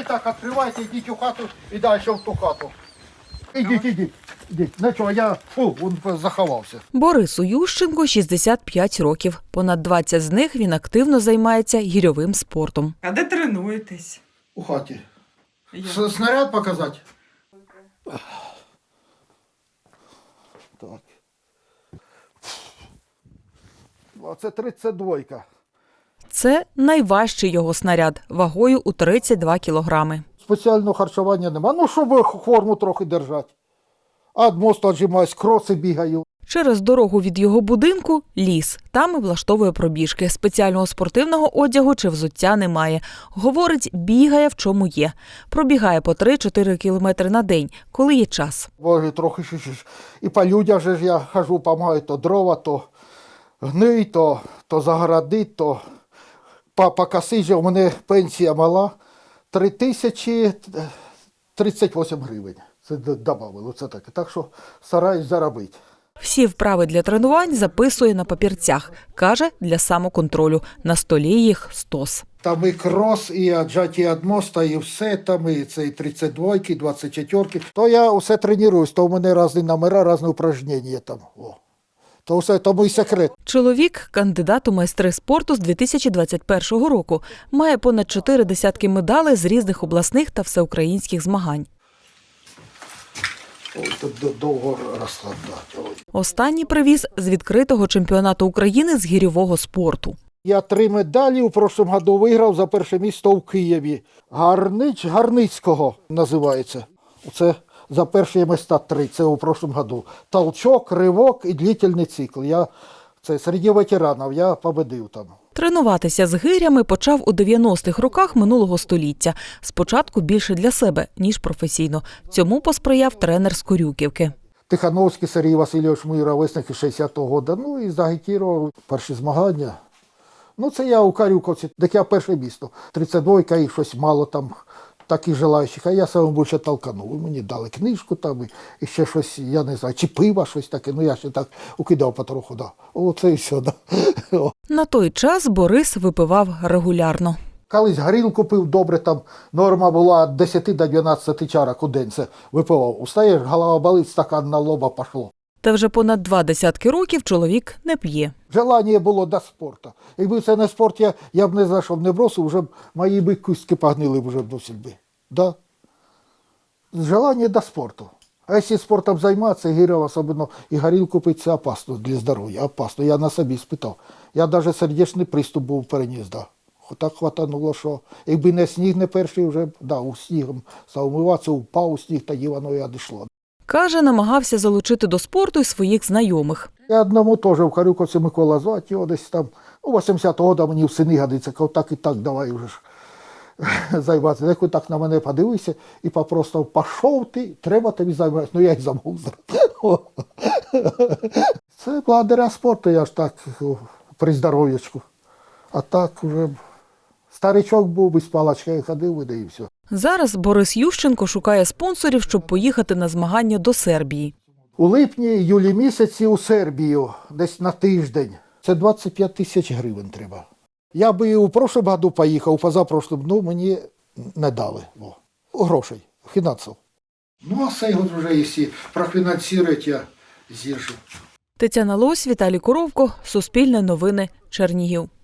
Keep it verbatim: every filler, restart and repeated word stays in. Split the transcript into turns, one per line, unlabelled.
Давай так, відкривайте, йдіть у хату і далі в ту хату. Ідіть, ідіть, ідіть. Нічого, я, фу, він заховався.
Борису Ющенку шістдесят п'ять років. Понад двадцять з них він активно займається гірьовим спортом.
А де тренуєтесь?
У хаті.
Я.
Снаряд показати? Так. Це тридцять два.
Це найважчий його снаряд, вагою у тридцять два кілограми.
Спеціального харчування нема. Ну, щоб форму трохи держати. А від мосту віджимаюсь, кроси бігаю.
Через дорогу від його будинку – ліс. Там і влаштовує пробіжки. Спеціального спортивного одягу чи взуття немає. Говорить, бігає в чому є. Пробігає по три-чотири кілометри на день, коли є час.
Боже, трохи ще, ще. І по людях же ж я хожу, допомагаю, то дрова, то гний, то, то загородить, то по, по коси же у мене пенсія мала. три тисячі тридцять вісім гривень. Це додали, це таке. Так що стараюсь заробити.
Всі вправи для тренувань записує на папірцях. Каже, для самоконтролю. На столі їх стос.
Там і крос, і віджаття від моста, і все, там і це і тридцять два, двадцять чотири. То я все тренуюсь, то у мене різні номера, різні упражнення там. О. То все, тому і секрет.
Чоловік – кандидат у майстри спорту з дві тисячі двадцять першого року. Має понад чотири десятки медалей з різних обласних та всеукраїнських змагань.
Ой, тут довго розкладати. Ой.
Останній привіз з відкритого чемпіонату України з гірьового спорту.
Я три медалі у прошлому году виграв за перше місце в Києві. Гарнич, Гарницького називається. Це за перші міста три, це у прошлому году. Толчок, ривок і длительний цикл. Я, це серед ветеранів, я победив там.
Тренуватися з гирями почав у дев'яностих роках минулого століття. Спочатку більше для себе, ніж професійно. Цьому посприяв тренер з Корюківки.
Тихановський Сергій Васильович, мій ровесник із шістдесятого року. Ну і загітірував перші змагання. Ну це я у Корюковці, так я перше місто. тридцять два і щось мало там таких желаючих, а я саме більше толканув. Мені дали книжку там і ще щось, я не знаю, чи пиво, щось таке. Ну я ще так укидав потроху, да. Оце і все, да.
На той час Борис випивав регулярно.
Колись горілку пив добре, там норма була від десяти до дванадцяти чарок у день, це випивав. Устаєш, голова болить, стакан на лоба пішло.
Та вже понад два десятки років чоловік не п'є.
Желання було до спорту. Якби це не спорт, я, я б не зайшов, не бросив, вже б мої би кістки погнили вже б досить би. Да? Желання до спорту. А якщо спортом займатися, гіря, особливо і горілку пити, це опасно для здоров'я, опасно. Я на собі спитав. Я навіть сердечний приступ був переніс, да. Так хватануло, що якби не сніг не перший, вже да, у снігом став умиватися, упав у сніг, тоді воно і одійшло.
Каже, намагався залучити до спорту й своїх знайомих.
Я одному теж в Корюковці Микола звати, його десь там, ну, вісімдесятого року мені в сини годиться, кажу, так і так, давай вже ж займатися. Як так на мене подивився і попростав, пішов ти, треба тобі займатися. Ну, я й забув. Це благодаря спорту, я ж так при здоров'ячку. А так вже старичок був, без палачка ходив, і все.
Зараз Борис Ющенко шукає спонсорів, щоб поїхати на змагання до Сербії.
У липні-юлі місяці у Сербію, десь на тиждень. Це двадцять п'ять тисяч гривень треба. Я би і у прошлому году поїхав, позапрошлому, ну мені не дали. О, грошей, фінансів. Ну, а цей год вже, якщо профінансують, я з'їжджу.
Тетяна Лось, Віталій Коровко, Суспільне новини, Чернігів.